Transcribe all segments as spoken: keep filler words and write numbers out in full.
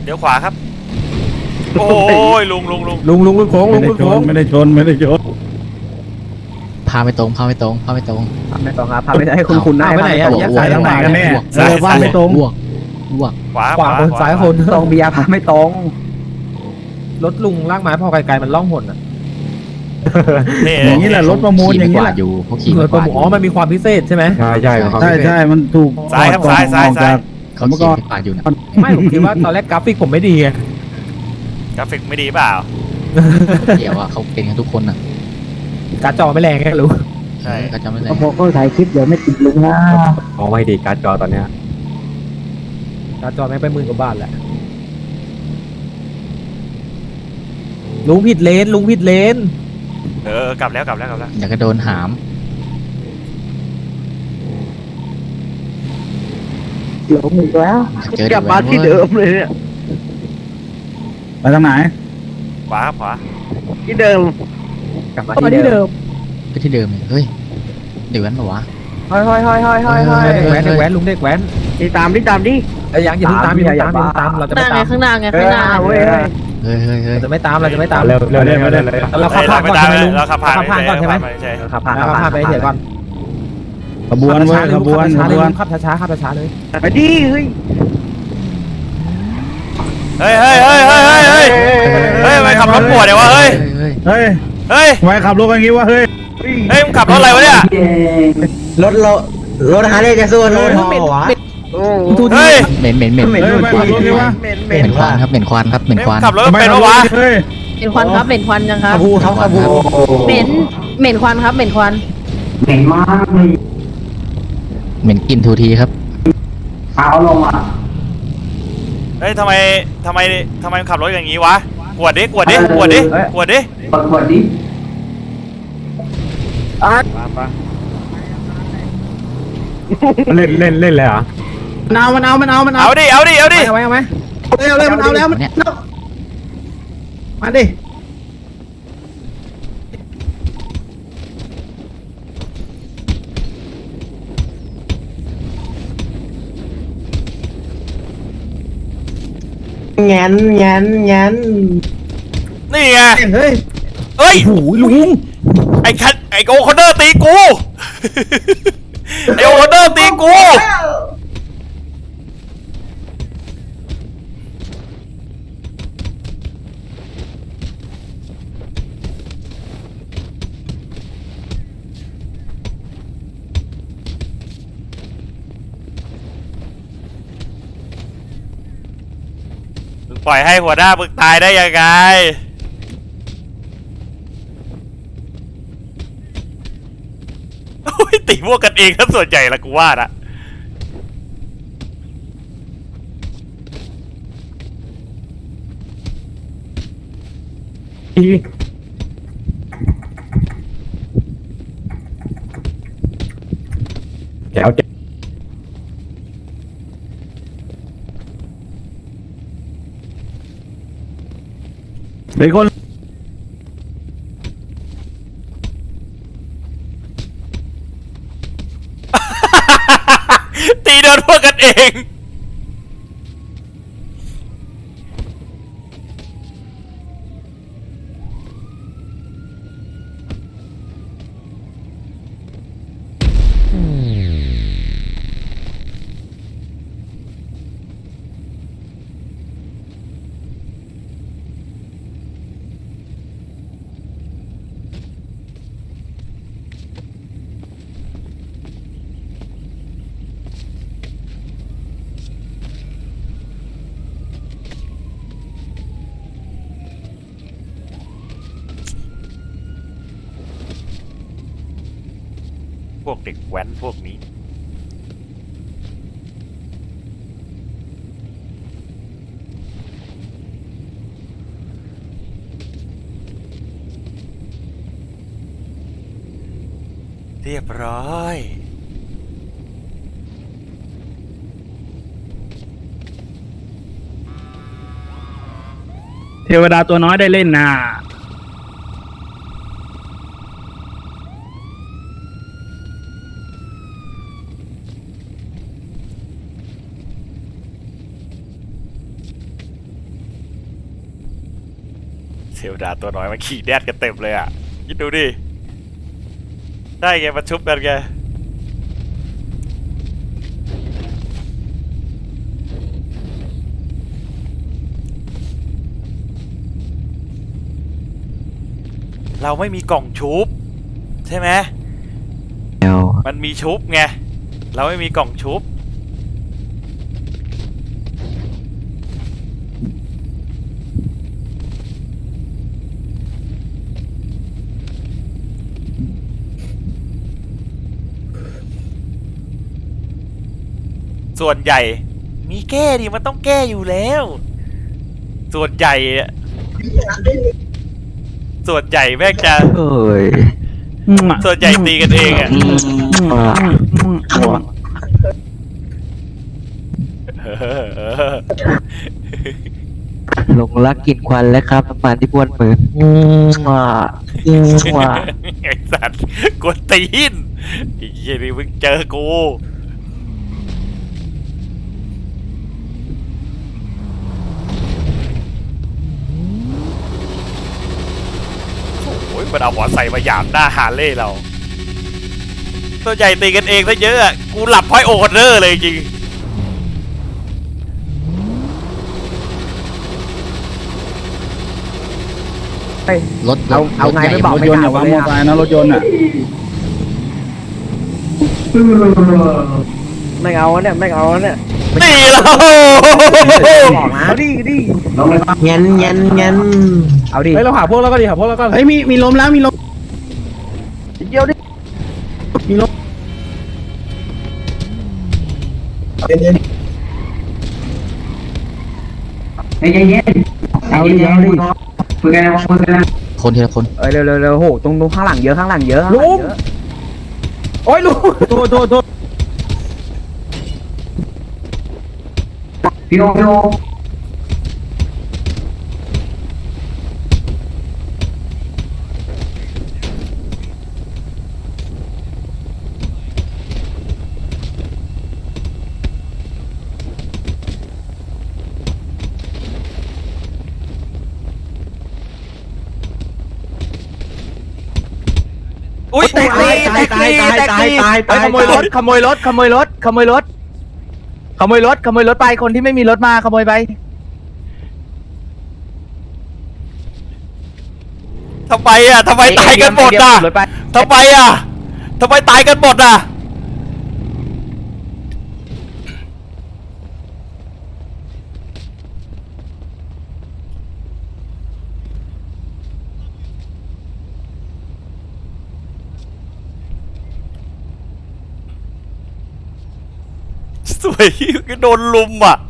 เดี๋ยวขวาครับโอ้ยลุงลุงลุงลุงลุงลุงโค้งลุงลุงโค้งไม่ได้ชนไม่ได้ชนพาไม่ตรงพาไม่ตรงพาไม่ตรงพาไม่ตรงครับพาไม่ให้คุณคุณนายไปไหนอะตรงแยกไปซ้ายทางไหนกันแน่เออว่าไม่ตรงลวกลวกขวาขวาคนซ้ายคนตรงเบียร์พาไม่ตรงรถลุงลากไม้พอไกลๆมันล่องหนอ่ะนี่อย่างนี้แหละรถประมูลอย่างนี้นี้แหละอยู่เขาขี่เหมืไม่อนกประวาดมูลอ๋อมันมีความพิเศษใช่ไหมใช่ใช่ครับใช่ใช่มันถูกซ้ายครับซ้ายซ้ายซ้ายเขาขี่ไม่กวาดอยู่นะไม่ผมคิดว่าตอนแรกกราฟิกผมไม่ดีไงกราฟิกไม่ดีเปล่าเดี๋ยวว่าเขาเป็นกันทุกคนอ่ะการ์ดจอไม่แรงไงรู้ใช่เขาจะไม่ได้พอเขาถ่ายคลิปเดี๋ยวไม่ติดลุงนะมองไม่ดีการ์ดจอตอนเนี้ยการ์ดจอแม่งไปหมื่นกว่าบาทแหละลุงผิดเลนลุงผิดเลนเออกลับแล้วกลับแล้วกลับแล้วอยากจะโดนหามหลงอีกแล้วเจอกลับมาที่เดิมเลยเนี่ยไปทางไหนขวาครับขวาที่เดิมกลับมามาที่ที่เดิเดิมมไปที่เดิมเลยเฮ้ยเดี๋ยวนั้นปะวะห้อยห้อยห้อยห้อยห้อยห้อยเด็กแว้นเด็กแว้นลุงเด็กแว้นตีตามดิตามดิไอ้ยังอย่าเพิ่งตามอย่าเพิ่งตามอย่าเพิ่งตามเราจะหไม่น้าไงตามข้างหน้าไงเอข้างอหน้าเว้ยเฮ้ยเฮ้ยเฮ้ยเราจะไม่ตามเราจะไม่ตามเร็วเร็วเร็วเร็วเร็วเราขับผ่านก่อนใช่ไหมลุงเราขับผ่านขับผ่านก่อนใช่ไหมใช่ขับผ่านเราขับผ่านไปเดี๋ยวก่อนขบวนเว้ยขบวนขขับบวนช้าๆเลยขับช้าๆขับช้าๆเลยไปดิเฮ้ยเฮ้ยเฮ้ยเฮ้ยเฮ้ยเฮ้ยเฮ้ยเฮ้ยทำไมขับรถปวดเดี๋ยววะเฮ้ยเฮ้ยเฮ้ยเฮ้ยทำไมขับรถกันงี้วะเฮ้ยเฮ้ยมึงขับรถอะไรวะเนี่ยรถเรารถฮาร์เลย์จะสู้รถฮอวะโอ้เฮ้ยเหม็นเหม็นเหม็นเฮ้ยทำไมขับรถงี้วะเหม็นเหเหม็ม็นนควันครับเหม็นควันครับเหม็นควันขับรถทำไมเป็นขับปะรถวะเฮ้ยเป็นควันครับเหม็นควันยังครับขบูครับขบูเหม็นเหม็นควันครับเหม็นควันเหม็นมากเลยเหม็นกลิ่นทูทีครับเอาลงอ่ะเฮ้ยทำไมทำไมทำไมมึงขับรถอย่างงี้วะกวดดิกวดดิกวดดิกวดดิกดกดดิอ่ะเล่นเล่นเล่นเลยเหรอมันเอามันเอามันเอามันเอาเอาดิเอาดิเอาดิเอาไว้เอาไว้เร็วเลยมันเอาแล้วมันเนี่ยมาดิแงนแงนแงนนี่ไงเฮ้ยเฮ้ยโอ้ยลุงไอ้คันไอ้โอคอนเนอร์ตีกู ไอ้โอคอนเนอร์ตีกูมึงปล่อยให้หัวหน้ามึงตายได้ยังไงโอ้ยตีพวกกันเองถ้าส่วนใหญ่ละกูว่านะแจ๋วแจ๋วเป็นคนตีโดนพวกกันเองพวกเด็กแว้นพวกนี้เรียบร้อยเทวดาตัวน้อยได้เล่นนะวดาตัวน้อยมันขี่แดดกันเต็มเลยอ่ะคิดดูดิได้ไงมาชุบกันแกเราไม่มีกล่องชุบใช่ไหมมันมีชุบไงเราไม่มีกล่องชุบส่วนใหญ่มีแก้ดิมันต้องแก้อยู่แล้ว ส่วนใหญ่อะส่วนใหญ่แม่งจะเอ้ยส่วนใหญ่ตีกันเองอะเออเออหลงรักกลิ่นควันแล้วครับน้ำมันที่บ้วนมืออืมว่ะอืมว่ะไอ้สัตว์กวนตีนไอ้เหี้ยนี่มึงเจอกูโอ้ยมันเอาหัวใส่มาหยามหน้าฮาร์เลย์เราตัวใหญ่ตีกันเองซะเยอะอะกูหลับพ้อยโอเดอร์เลยจริงรถเอาเอาไงไม่บอกไม่ด่าผมเลยอะนะรถยนต์อ่ะไม่เอาเนี่ยไม่เอาเนี่ยนี่เราบอกนะเอาดิดิเงี้ยเงี้ยเงี้ยเอาดิเฮ้ยเราหาพวกแล้วก็ดิหาพวกแล้วก็เฮ้ยมีมีลมแล้วมีลมเดียวดิมีลมเอาดิเอาดิคนทีละคนเอ้ยเร็วเร็วเร็วโหตรงตรงข้างหลังเยอะข้างหลังเยอะลุงโอ้ยลุงโทษโทษโทษพี่โอพี่โออุ้ยแตกตีแตกตีแตกตีเฮ้ยขโมยรถขโมยรถขโมยรถขโมยรถขโมยรถขโมยรถไปคนที่ไม่มีรถมาขโมยไปทำไมอ่ะทำไมตายกันหมดอ่ะทำไมอ่ะทำไมตายกันหมดอ่ะสวยก็โดนลุมอ่ะ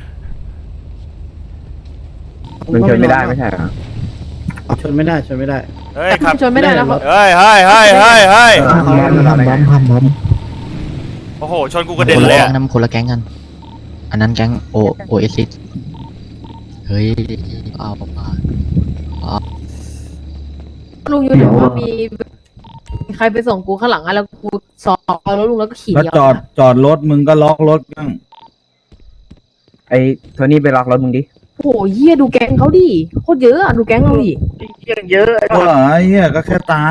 มันชนไม่ได้ไม่ใช่เหรอชนไม่ได้ชนไม่ได้เฮ้ยครับชนไม่ได้แล้วครับเฮ้ยเฮ้ยเฮ้ยเฮ้ยเฮ้ยเขาเล่นเราได้ไงโอ้โหชนกูกระคเด็นนละเลยแก๊อะงนะมันคนละแก๊งกัน อันนั้นแก๊งโอโอเอซิสเฮ้ยเอามาเอาลุงอยู่ไหนว่ามีมีใครไปส่งกูข้างหลังอะแล้วกูสอบเอารถลุงแล้วก็ขี่แล้วจอดจอดรถมึงก็ล็อกรถบ้างไอ้โทนี่ไปล็อกรถมึงดิโอ้โหเหี้ยดูแก๊งเขาดิโคตรเยอะอะดูแก๊งเราดิเยอะเออไอ้เหี้ยก็แค่ตาย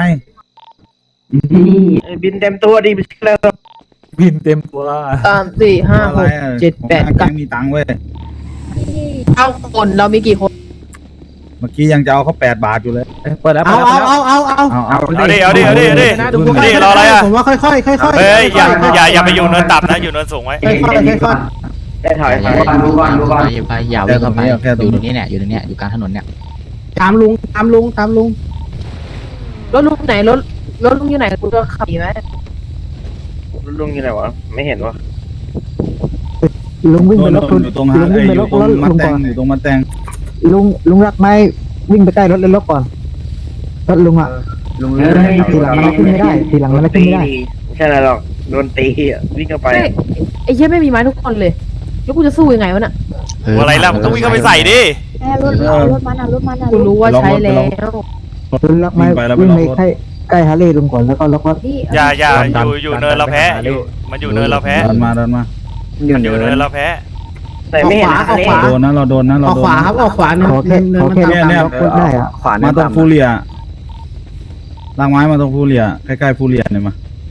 บินเต็มตัวดิบินเต็มตัวสามสี่ห้าหกเจ็ดแปดแกเก้ามีตังค์เว้ยเก้าคนเรามีกี่คนเมื่อกี้ยังจะเอาเขาแปดบาทอยู่เลยเปิดแล้วเอาเอาเอาเอาเอาเอาเอาเอาดิเอาดิเอาดิเอาดิเอาดิรออะไรอะผมว่าค่อยๆค่อยๆค่อยๆเฮ้ยอย่าอย่าอย่าไปอยู่เนินต่ำนะอยู่เนินสูงไว้ค่อยๆค่อยได้ถอยอย่าอย่าอย่าไปอย่าวิ่งเข้าไปอยู่ตรงนี้เนี่ยอยู่ตรงเนี้ยอยู่กลางถนนเนี่ยๆตามลุงตามลุงตามลุงรถลุงไหนรถรถลุงอยู่ไหนกูจะขับดีไหมลุงอยู่ไหนวะไม่เห็นวะลุงวิ่งไปรถโดนอยู่ตรงฮะลุงไอ้วิ่งอไปรยู่ถตรงรถมาลุงแตก่งอนอยู่ตรงมาแตงลุงลุงรักไหมวิ่งไปใกล้รถเลยรถก่อนรถลุงอ่ะลุงทีหลังมันขึ้นไม่ได้ทีหลังมันขึ้นไม่ได้ไม่ใช่อะไรหรอกโดนตีอ่ะวิ่งเข้าไปเฮ้ยไอ้เหี้ยไม่มีไม้ทุกคนเลยแล้วกูจะสู้ยังไงวะน่ะเอออะไรล่ะมึงต้องวิ่งเข้าไปใส่ดิแม่รถเอารถมันอ่ะรถมันอ่ะกูรู้ว่าใช้แล้วลุงรักไหมวิ่งไปใกล้ใกล้ฮาร์เลย์ลุงก่อนแล้วก็ล็อกรถนี่อย่าอย่าอยู่อยู่เนินเราแพ้อยู่มันอยู่เนินเราแพ้เดินมาเดินมามันอยู่เนินเราแพ้แต่ไม่เห็นออกขวาโดนนะเราโดนนะเราออกโดขนวาครับออกขวาขอแค่ขอแค่เนี่ยเนี่ยกดได้อะขวามาตรงฟูเรียลากไม้มาตรงฟูเรียใกล้ๆฟูเรียเนี่ยมา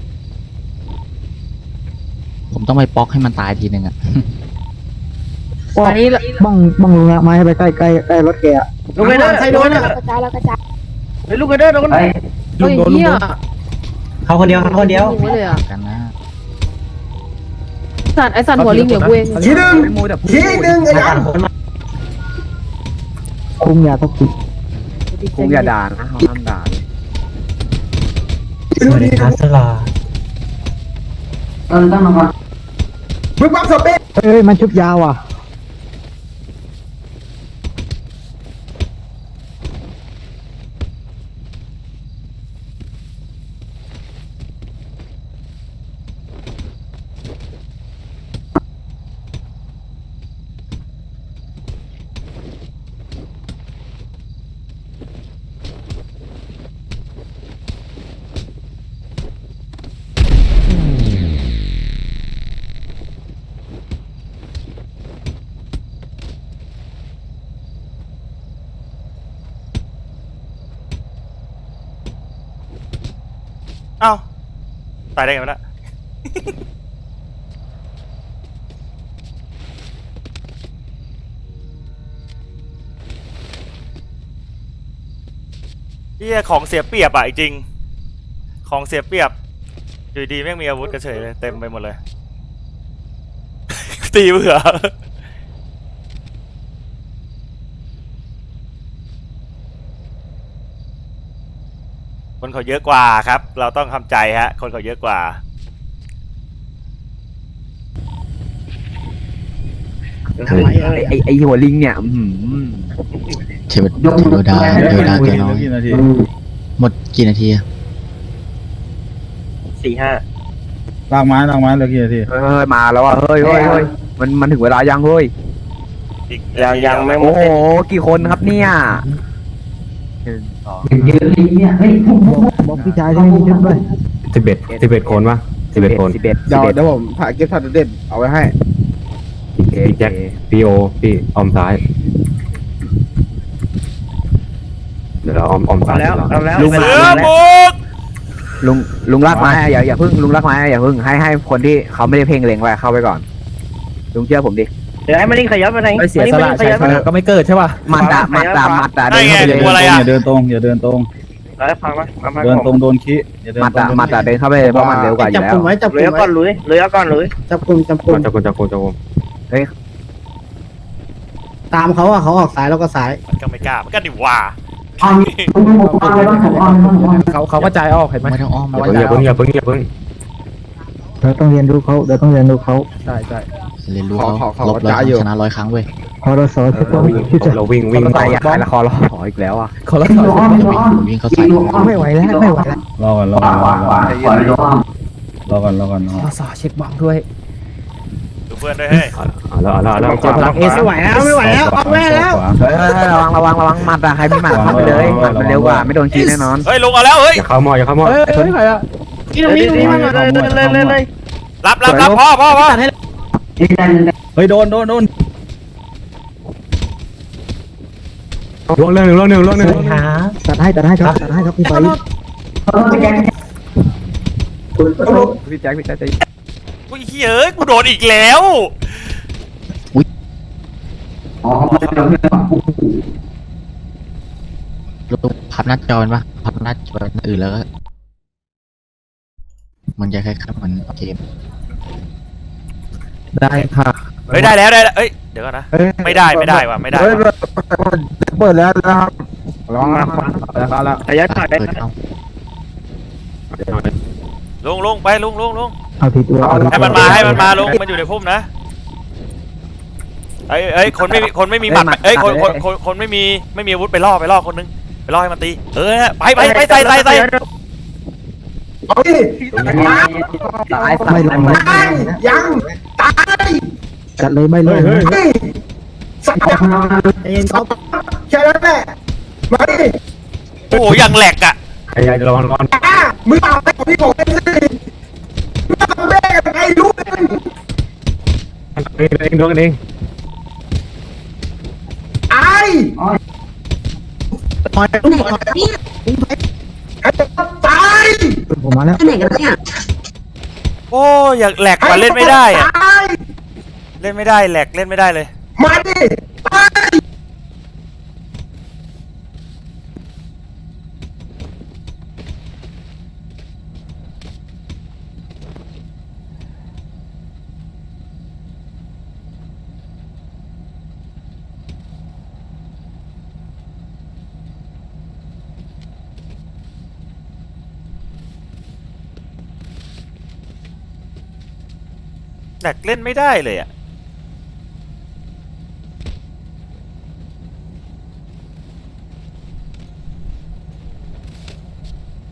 ผมต้องไปป๊อกให้มันตายทีหนึ่งอะอันนี้บ้องบ้องลุงรักไม้ให้ไปใกล้ใกล้ใกล้รถแกอะลูกไอ้เด้อใครโดนอ่ะกระจายแล้วกระจายไอ้ลูกไอ้เด้อโดนเฮ้ยเฮียเขาคนเดียวเขาคนเดียวยิงไว้เลยอ่ะกันนะสัตว์ไอสัตว์หัวลิงเดี๋ยวกูเองชี้หนึ่งชี้หนึ่งไอ้ยันคุมยาทักษิณคุงอย่าด่านะเขาห้ามด่าสวัสดีครับสลามึงปั๊บสเปซเอ้ยมันชุบยาวอ่ะเอ้าตายได้ไงวะน่ะ เฮียของเสียเปรียบอ่ะจริงๆของเสียเปรียบอยู่ดีแม่งมีอาวุธกระเฉยเลยเต็มไปหมดเลย ตีเบื่อคนเขาเยอะกว่าครับ เราต้องทำใจฮะคนเขาเยอะกว่าไอ้ไอ้หัวลิงเนี่ยอืมเทวดาเทวดาเทวดาตัวน้อยกี่นาทีหมดกี่นาทีอะสี่ห้าลากไม้ลากไม้เหลือกี่นาทีเฮ้ยมาแล้วอ่ะเฮ้ยเฮ้ยเฮ้ยมันมันถึงเวลายังเฮ้ยอีกยังยังไม่หมโอ้ดโหกี่คนครับเนี่ยหนึ่งสองบอกพี่ชายที่ไม่มีชุดด้วยสิบเอ็ดสิบเอ็ดคนวะสิบเอ็ดคนสิบเอ็ดเดี๋ยวเดี๋ยวผมถ่ายเก็บทัดเด็ดเอาไว้ให้พี่แจ็คพี่โอพี่ออมซ้ายเดี๋ยวเราออมออมซ้ายแล้วเอาแล้วลุงเสือบุกลุงลุงลากไม้อะอย่าอย่าพึ่งลุงลากไม้อะอย่าพึ่งให้ให้คนที่เขาไม่ได้เพ่งเล็งไว้เข้าไปก่อนลุงเชื่อผมดิเดี๋ยวให้มันนี่ขยับไปไหนไม่เสียสละใช่ไหมก็ไม่เกิดใช่ป่ะมัดอะมัดอะมัดอะเดินเข้าไปเลยอย่าเดินตรงอย่าเดินตรงแล้วฟังไหมฟังไหมเดินตรงโดนขี้อย่าเดินมัดตรอะงมัดอะเดินเข้าไปเลยเพราะมันเร็วกว่าอยู่จับแล้กลุ่วมไว้จับกลุ่มก่อนลุยเลยก่อนลุยจับกลุ่มจับกลุ่มจับคนจับคนจับคนตามเขาอ่ะเขาออกซ้ายแล้วก็ซ้ายมันก็ไม่กล้ามันก็ดิว่าเขาเขาก็ใจออกเห็นไหมไม่ต้องอ้อมอย่าเพิ่งอย่าเพิ่งอย่าเพิ่งเราต้องเรียนรู้เขาเราต้องเรียนรู้เขาใช่ใช่เรียนรู้ขอเขาขอขอลบร้อยจ้าครั้อยู่งชนะร้อยครั้งเว้ยพอเราสอนจะต้องชุดจะเราวิ่งวิ่งเขาใส่ยาขายละครรออีกแล้วอ่ะเขาละจะวิ่งวิ่งเข้าใส่ไม่ไหวแล้วไม่ไหวแล้วรอก่อนรอก่อนรอก่อนรอก่อนรอก่อนรอขอสอเช็คบังด้วยดูเพื่อนด้วยเฮ้ยเอาแล้วเอาแล้วเอาแล้วพลังเอสไม่ไหวแล้วไม่ไหวแล้วออกแม่แล้วเฮ้ยระวังระวังระวังมัดอะใครมีหมัดเข้าไปเลยหมัดมันเร็วกว่าไม่โดนกีแน่นอนเฮ้ยลงเอาแล้วเฮ้ยอย่าเข้าหม้ออย่าเข้าหม้อเฮ้ยเฮ้ยใครอะที่ตรงนี้ตรงนี้มาเลยเลยเลยเลยรับรับรับพ่อพ่อพ่อเฮ้ยโดนโดนโดนล่วงเรื่องหนึ่งล่วงหนึ่งล่วงหนึ่งตัดให้ตัดให้ครับตัดให้ครับพี่ไปพี่แจ็คพี่แจ็คจะอุ้ยเฮ้ยกูโดนอีกแล้วลูกพับหน้าจอมันปะพับหน้าจออื่นแล้วก็มันจะคล้ายๆเหมือนเกมได้ค่ะเฮ้ยได้แล้วได้แล้วเอ้ยเดี๋ยวก่อนนะไม่ได้ไม่ได้ว่ะไม่ได้เฮ้ยว่ะเปิดแล้วนะครับระวังนะแล้วก็แล้วขยับถอยเปิดเอาลงลงไปลงลงลงเอาผิดตัวเอาผิดให้มันมาให้มันมาลงมันอยู่ในพุ่มนะเอ้ยเอ้ยคนไม่มีคนไม่มีหมัดเอ้ยคนคนคนคนไม่มีไม่มีอาวุธไปล่อไปล่อคนนึงไปล่อให้มันตีเออไปไปไปใส่ใส่ใส่ตายไม่ลงนะยังจัดเลยไม่ลงเฮ้ยนะเฮ้ยเย็นเขาแค่นั้นแหละมาดิโอ้โหยังแหลกอ่ะไอ้ยัยระวังระวังมึงเอาไปของพี่ผมเองสิมึงทำแม่กันไงรู้เองเองเองโดนกันเองถอยลุงถอยลุงถอยให้ตายผมมาแล้วโอ้ยอยากแหลกกว่าเล่นไม่ได้อะตายเล่นไม่ได้แหลกเล่นไม่ได้เลยมาดิตายแหลกเล่นไม่ได้เลยอ่ะ